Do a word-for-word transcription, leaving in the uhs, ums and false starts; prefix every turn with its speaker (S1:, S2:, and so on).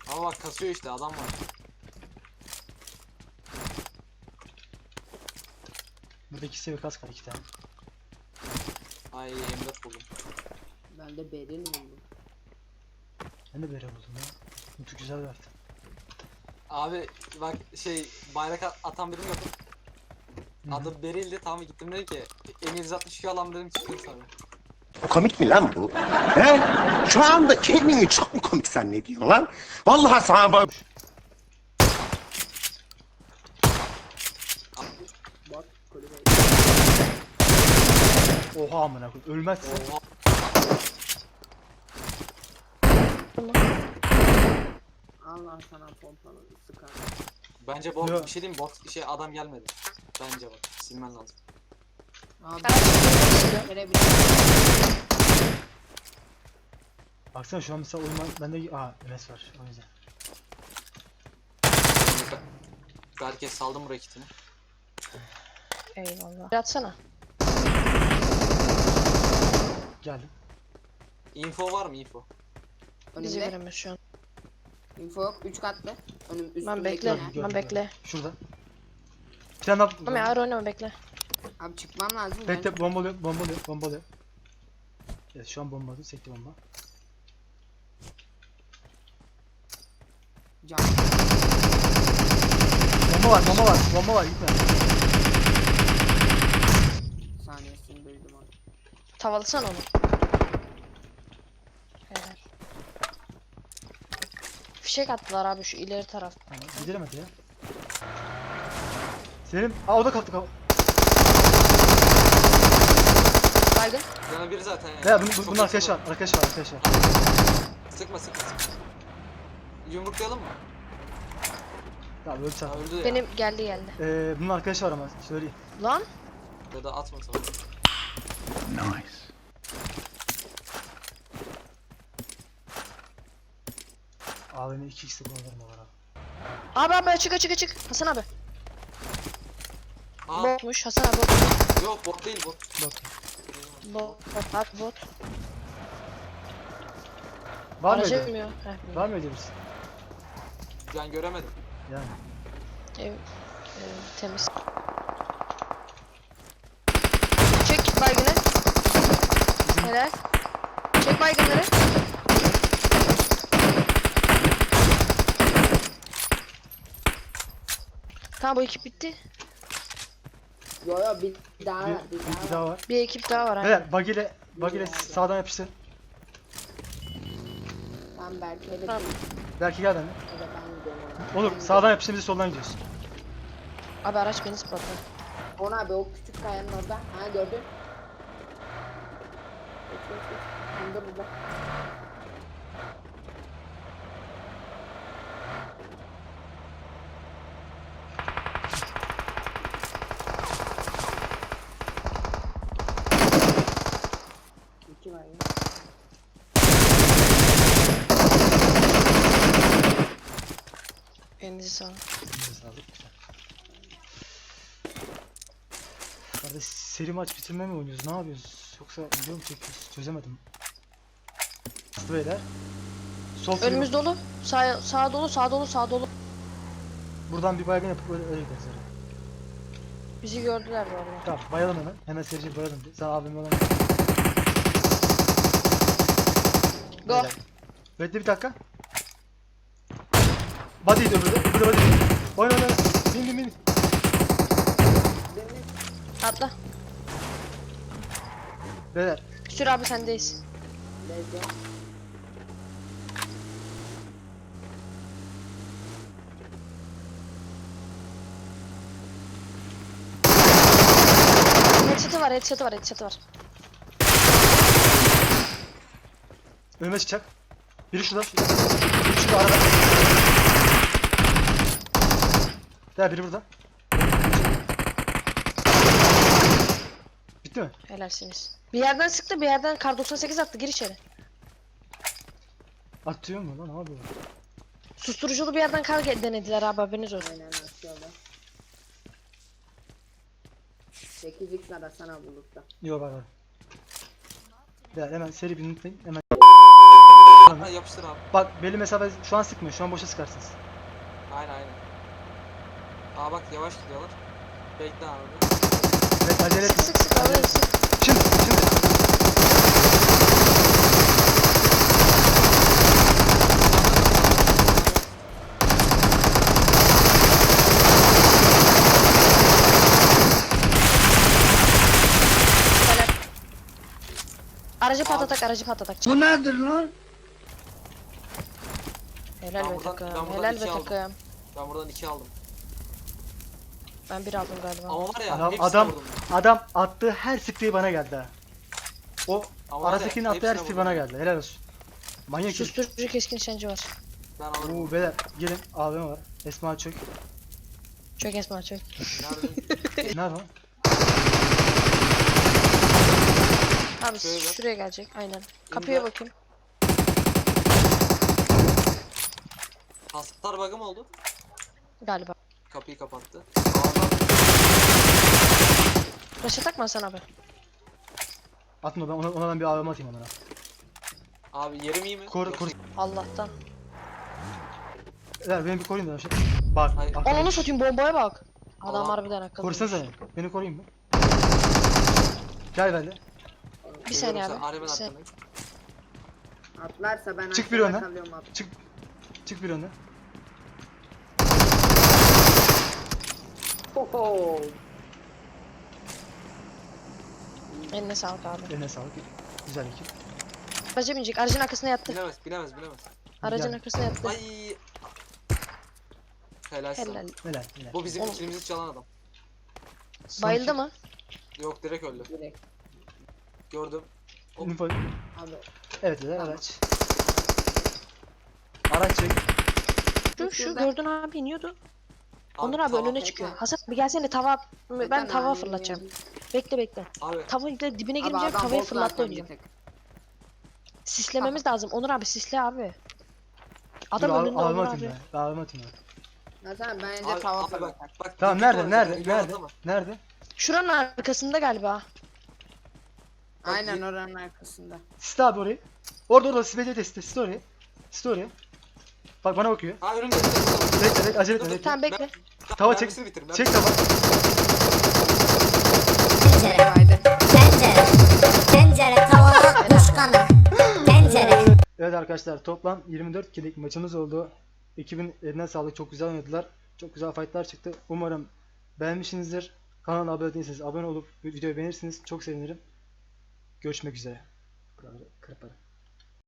S1: Ama bak kasıyor işte, adam var.
S2: Burada iki seviye kas var, iki tane.
S1: Ay M dört buldum.
S3: Ben de Beril buldum.
S2: Ben de böyle buldum ya. Mutlu güzel bir harita.
S1: Abi bak şey bayrak at- atan birini gördüm.
S2: Hı hı.
S1: Adı Beril'di, tamam gittim dedi ki M yüz altmış iki alan dedim, çıktım sana.
S4: Komik mi lan bu? He? Şu anda kendini çok mu komik zannediyorsun lan? Vallahi sana bak.
S3: Bak kulübe.
S2: Oha amına koyayım. Ölmezse.
S1: Oha.
S3: Allah sana pompalı sıkar.
S1: Bence bot,
S2: Yok.
S1: bir şey diyeyim, bot şey adam gelmedi. Bence bak, silmen lazım.
S3: Abi
S5: Ben
S3: verebilir.
S2: Baksana şu an mesela oyun bende aa M S var o yüzden.
S1: Herkes saldım bu raketini.
S5: Eyvallah. Atsana.
S2: Geldim.
S1: Info var mı info?
S5: Bizi
S3: Önümde.
S5: göremiyor şu an.
S3: Info yok. üç katlı. Önüm üstümdeki.
S5: Ben bekle.
S3: ne?
S2: Gördüm,
S5: Ben
S2: gördüm,
S5: bekle.
S2: gördüm. Şurada. Bir tane daha.
S5: Ama ağır oynama bekle.
S3: Abi çıkmam lazım.
S2: Bekle, bombalıyor, bombalıyor, bombalıyor. Evet şu an bombaladı, sekti bomba.
S3: Can.
S2: Bomba var, bomba var, bomba var, gitme.
S3: Saniyesini duydum onu.
S5: Tavalasana onu. Helal. Fişek attılar abi şu ileri taraf.
S2: Tamam, gidelim hadi ya. Selim, aa o da kalktı kalktı.
S5: Baygın.
S1: Yana biri zaten yani.
S2: Ya bunun,
S1: Çok
S2: bunun arkadaşı var,
S1: yakın
S2: arkadaşı var, arkadaşı var.
S1: bu. Sıkma sıkma sıkma. Yumruklayalım mı?
S2: Tamam öldü sen.
S1: Ha, öldü ya.
S5: Benim geldi geldi.
S2: Ee, bunun arkadaşı var ama söyleyeyim.
S5: Lan.
S1: Ya da atma sana.
S2: A V M iki x'de kullanırım o var abi.
S5: Abi abi açık açık açık. Hasan abi.
S1: Aa
S5: Botmuş Hasan abi bot.
S1: yok, bot değil bot.
S2: Bak.
S5: Bot. Bot. Abi bot.
S2: Var mı
S5: Araca
S2: öyle?
S5: binmiyor. Heh,
S2: Var mı öyle birisi?
S1: Ben göremedim.
S2: Yani.
S5: Ev, ev temiz. Çek baygını. Helal. Çek baygınları. Tamam bu ekip bitti.
S3: Yo yo bir daha
S2: Bir,
S3: var. Bir
S2: bir,
S3: daha
S2: bir
S3: var.
S2: daha var.
S5: Bir ekip daha var. ha.
S2: Beyler bug ile, bug ile sağdan yapıştı.
S3: Ben Berke'ye de
S5: Tamam.
S2: Belki gel benimle.
S3: Ya da ben gidiyorum ona.
S2: Olur
S3: Ben
S2: sağdan yapıştı, biz de soldan gidiyoruz.
S5: Abi araç beni spotladı.
S3: gidiyorum. Ona abi o küçük kayanın orada. Ha gördün. Geç geç geç. Burada burada. İki var ya.
S5: Elinize sağlık.
S2: Elinize sağlık. Kardeş seri maç bitirme mi oynuyoruz? Ne yapıyoruz? Yoksa video mu çekiyoruz? Çözemedim. Bastı beyler. Sol
S5: Önümüz
S2: sürü-
S5: dolu. Sağ, sağ dolu, sağ dolu, sağ dolu.
S2: Buradan bir baygın yapıp öyle, öyle gideriz herhalde.
S5: Bizi gördüler bu arada.
S2: Tamam bayalım hemen. Hemen serici bayalım. Sen abim olan.
S5: Go.
S2: Beyler. Bekle bir dakika. Body'ydi öbürü. Öbürü body. Oyna oyna oyna. Bin bin bin.
S5: Atla.
S2: Beyler.
S5: Sür abi sendeyiz.
S3: Lezzetli.
S5: Headshot'ı var, headshot'ı var, headshot'ı var.
S2: Önüme çıkacak. Biri şurada. Şurada. Biri şurada arada. Beyler biri burada. Bitti mi?
S5: Helalsiniz. Bir yerden sıktı, bir yerden kar doksan sekiz attı, gir içeri.
S2: Atıyor mu lan? Ne yapıyor?
S5: Susturuculu bir yerden kar ge- denediler abi, haberiniz olsun.
S3: Aynen atıyorlar. sekiz x arasana bulursa.
S2: Yok var var. Beyler hemen seri bir unutmayın. Hemen. Tamam.
S1: Ha, yapıştır abi.
S2: Bak belli mesafe şu an sıkmıyor. Şu an boşa sıkarsınız.
S1: Aynen aynen. Aa bak yavaş gidiyorlar. Bekle abi.
S2: Evet acele
S5: Sık
S2: etme.
S5: sık sık
S2: Acele
S5: abi
S2: etme.
S5: sık.
S2: Şimdi şimdi.
S5: Helal. Aracı patlatak aracı patlatak.
S6: Bu nedir lan?
S5: Helal
S1: Ben
S5: be
S1: buradan- ben
S5: takım.
S1: buradan
S5: Helal
S1: iki
S5: be
S1: aldım.
S5: takım.
S1: Ben buradan iki aldım.
S5: Ben bir aldım galiba.
S1: Ama var ya
S2: Adam
S1: hepsini
S2: adam
S1: vurdum.
S2: adam attığı her sprey bana geldi ha. O
S1: Ama var ya,
S2: Arasakinin attığı her
S1: hepsine
S2: sprey
S1: vurdum.
S2: bana geldi. Helal olsun. Manyak herif.
S5: Susturucu keskin nişancı var.
S1: Ben alırım.
S2: Oo beyler gelin A V M var. Esma çök.
S5: Çök Esma çök.
S1: Nerede?
S2: Nerede o?
S5: Abi
S1: Şöyle.
S5: şuraya gelecek aynen. Kapıya
S1: İndir.
S5: bakayım.
S1: Hasar bug'ı mı oldu?
S5: Galiba.
S1: Kapıyı kapattı. Ağzına
S5: Başa takma Hasan abi.
S2: Atın o ben ona, ona ben bir A V M atayım onlara.
S1: abi yerim iyi mi?
S2: Koru koru.
S5: Allah'tan.
S2: Beyler beni bir koruyun da. Şey. Bak.
S1: Hayır.
S2: arkadaş.
S5: Ananı satayım bombaya bak. Adam
S1: Allah.
S5: harbiden akıllı.
S2: Korusanıza beni. Beni koruyun mı? Gel benimle.
S5: Bir saniye
S1: Görüyorum
S5: abi.
S1: sen,
S5: Bir
S1: Arif'in
S5: saniye.
S1: arkandayım.
S3: Atlarsa ben
S2: Çık bir
S3: aşağıda
S2: öne.
S3: kalıyorum abi.
S2: Çık. Çık bir önüne.
S3: Hoho.
S5: Eline sağlık abi.
S2: Eline sağlık. Güzel ekip.
S5: Araca binecek. Aracın arkasına yattı.
S1: Bilemez bilemez bilemez.
S5: Aracın
S2: Gel.
S5: arkasına yattı.
S1: Ay. Helal sana.
S5: Helal.
S2: Helal. Helal.
S1: Bu bizim
S5: Oğlum.
S1: içimizi çalan adam.
S2: Son
S5: Bayıldı
S2: kill.
S5: mı?
S1: Yok direkt öldü.
S3: Direkt.
S1: Gördüm. Hop.
S2: Info.
S3: Abi.
S2: Evet beyler araç. Araç çek.
S5: Şu şu
S3: Şurada.
S5: gördün abi iniyordu. Onur abi
S1: tamam.
S5: önüne çıkıyor. Hasan bir gelsene tava ben
S3: Zaten
S5: tava
S3: abi
S5: fırlatacağım.
S3: yani.
S5: Bekle bekle.
S1: Abi
S5: Tavayla dibine
S3: Abi
S5: girince
S3: adam
S5: tavayı
S3: bot
S5: fırlattı
S3: zaten bir
S5: oynayacağım.
S3: tek.
S5: Sislememiz lazım. Onur abi sisle abi. Adam
S2: Dur, A-
S5: önünde
S2: A V M
S5: Onur
S2: atayım
S5: abi.
S2: ben. A V M atayım ben.
S3: Hasan bence
S1: abi,
S3: tava
S1: abi bak
S3: fırlatar.
S1: bak.
S2: Tamam
S1: bir
S2: nerede
S1: var
S2: nerede
S1: zaten,
S2: nerede
S1: atlama.
S2: nerede?
S5: Şuranın arkasında galiba.
S3: Aynen oranın arkasında.
S2: Siste abi orayı. Orada orada siste de siste siste orayı. Siste orayı. Bak bana bakıyor.
S1: Ha önümde.
S2: Bekle bekle acele etme bekle.
S5: Tamam bekle.
S2: Tava çek.
S1: Mermisini bitir,
S2: Çek
S1: mermisini-
S2: tava.
S3: Haydi.
S6: Tencere. Tencere tavada kuş kanı. Tencere.
S2: Evet arkadaşlar toplam yirmi dört kill'lik maçımız oldu. Ekibin eline sağlık, çok güzel oynadılar. Çok güzel fightlar çıktı. Umarım beğenmişsinizdir. Kanala abone değilseniz abone olup videoyu beğenirsiniz. Çok sevinirim. Görüşmek üzere. Kırparım.